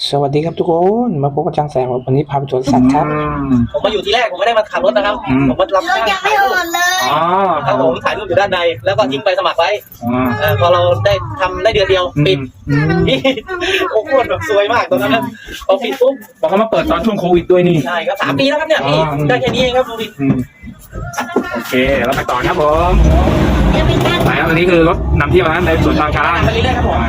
สวัสดีครับทุกคนมาพบกับช่างแสงวันนี้พาไปสวนสัตว์ครับผมมาอยู่ที่แรกผมไม่ได้มาขับรถนะครับผมมารับจ้างถ่ายรูปอ๋อครับผมถ่ายรูปอยู่ด้านในแล้วก็ทิ้งไปสมัครไว้พอเราได้ทำได้เดือนเดียวปิดโอ้โหแบบซวยมากตอนนั้นพอปิดปุ๊บบอกเขามาเปิดตอนช่วงโควิดด้วยนี่ใช่ครับ3 ปีแล้วครับเนี่ยพี่ได้แค่นี้เองครับดูดิโอเคเราไปต่อครับผมไปครับอันนี้คือรถนำเที่ยวนะในสวนทางช้างไปเรื่อยๆครับผม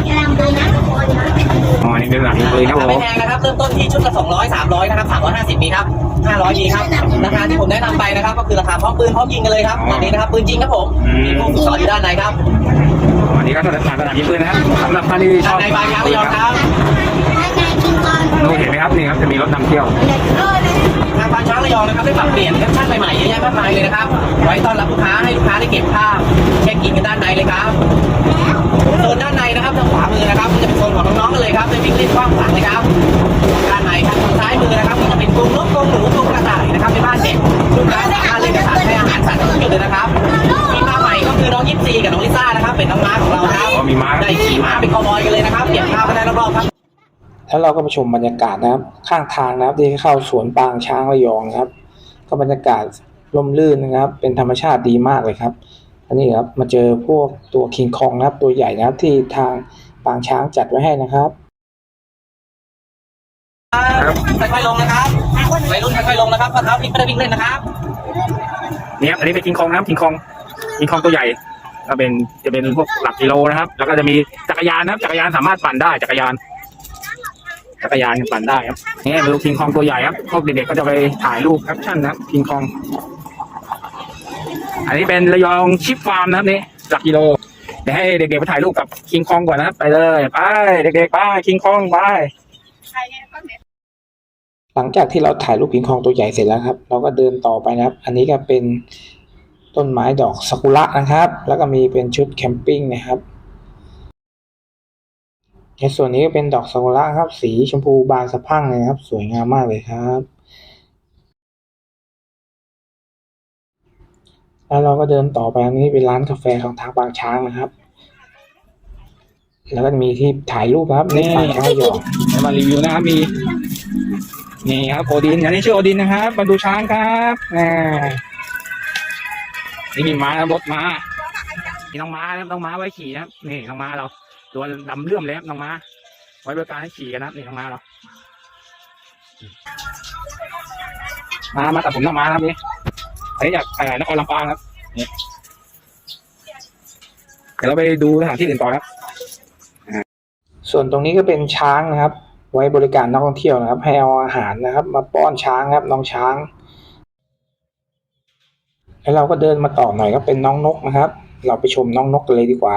อ๋อนี่เป็นหลังเลยครับผมไม่แพงนะครับเริ่มต้นที่ชุดละ200 300นะครับ350มีครับ500มีครับราคาที่ผมแนะนำไปนะครับก็คือราคาพร้อมปืนพร้อมยิงกันเลยครับอันนี้นะครับปืนจริงครับผมมีผู้ฝึกสอนอยู่ด้านในครับอันนี้ก็สถานยิงปืนนะครับสำหรับท่านที่ชอบในบางช้างระยองครับดูเห็นไหมครับนี่ครับจะมีรถนำเที่ยวทางบางช้างระยองนะครับได้ปรับเปลี่ยนแคปชั่นใหม่ๆเยอะแยะมากมายเลยนะครับไว้ต้อนรับลูกค้าให้ลูกค้าได้เก็บภาพเช็คอินกันด้านในเลยครับโซนด้านในนะครับทางขวามือนะครับจะเป็นโซนของน้องๆกันเลยครับไปวิ่งเล่นกว้างขวางเลยครับด้านในครับทางซ้ายมือนะครับก็จะเป็นกรงนกกรงหนูกรงกระต่ายนะครับในบ้านเด็กลูกค้าสามารถเล่นกับสัตว์ให้อาหารสัตว์ทุกจุดเลยนะครับมีม้าใหม่ก็คือน้องยิปซีกับน้องลิซ่านะครับเป็นน้องม้าของเราครับได้ขี่ม้าเป็นคาวบอยกันเลยนะครับเก็บภาพกันได้รอบๆครับแล้วเราก็ไปชมบรรยากาศนะครับข้างทางนะครับที่เข้าสวนปางช้างระยองนะครับก็บรรยากาศร่มรื่นนะครับเป็นธรรมชาติดีมากเลยครับอันนี้ครับมาเจอพวกตัวคิงคองนะครับตัวใหญ่นะครับที่ทางปางช้างจัดไว้ให้นะครับค่อยๆลงนะครับวัยรุ่นค่อยๆลงนะครับข้อเท้าพลิกไม่ได้วิ่งเล่นนะครับนี่ครับอันนี้เป็นคิงคองนะครับคิงคองตัวใหญ่ก็เป็นจะเป็นพวกหลักกิโลนะครับแล้วก็จะมีจักรยานนะครับจักรยานสามารถปั่นได้จักรยานปั่นได้ครับนี่เป็นคิงคองตัวใหญ่ครับพวกเด็กๆก็จะไปถ่ายรูปแคปชั่นนะครับคิงคองอันนี้เป็นระยองชิปฟาร์มนะครับนี่หลักกิโลเดี๋ยวให้เด็กๆไปถ่ายรูปกับคิงคองก่อนนะครับไปเลยไปเด็กๆไปคิงคองไปหลังจากที่เราถ่ายรูปคิงคองตัวใหญ่เสร็จแล้วครับเราก็เดินต่อไปนะครับอันนี้ก็เป็นต้นไม้ดอกซากุระนะครับแล้วก็มีเป็นชุดแคมปิ้งนะครับในส่วนนี้ก็เป็นดอกซากุระครับสีชมพูบานสะพรั่งเลยครับสวยงามมากเลยครับแล้วเราก็เดินต่อไปอันนี้เป็นร้านกาแฟของทางบางช้างนะครับแล้วก็จะมีที่ถ่ายรูปครับนี่บางช้างระยองมารีวิวนะครับมีนี่ครับโอดินอันนี้ชื่อโอดินนะครับมาดูช้างครับนี่มีม้ารถม้ามีน้องม้านะครับน้องม้าไว้ขี่นะครับนี่น้องม้าเราตัวดำเลื่อมเลยครับน้องม้าไว้บริการให้ขี่กันนะนี่น้องม้าเรามาตัดผมน้องม้าครับนี่อันนี้จากนครลำปางครับนี่เดี๋ยวเราไปดูสถานที่อื่นต่อครับส่วนตรงนี้ก็เป็นช้างนะครับไว้บริการนักท่องเที่ยวนะครับให้เอาอาหารนะครับมาป้อนช้างครับน้องช้างแล้วเราก็เดินมาต่อหน่อยก็เป็นน้องนกนะครับเราไปชมน้องนกกันเลยดีกว่า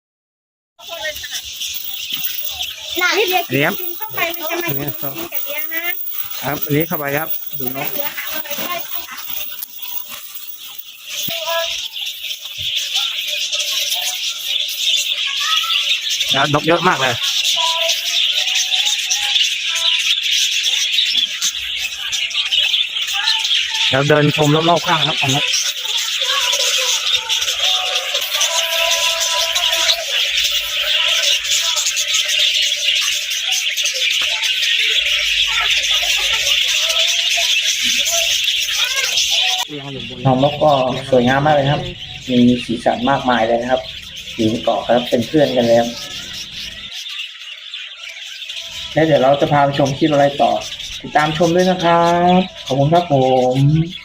เลี้ยงเข้าไปมันจะมากินกับเลี้ยงนะครับอันนี้เข้าไปครับดูนกนกเยอะมากเลยเราเดินชมรอบๆข้างครับของนกน้องนกก็สวยงามมากเลยครับมีสีสันมากมายเลยนะครับอยู่ในเกาะครับเป็นเพื่อนกันแล้วและเดี๋ยวเราจะพาไปชมคลิปอะไรต่อติดตามชมด้วยนะครับขอบคุณครับผม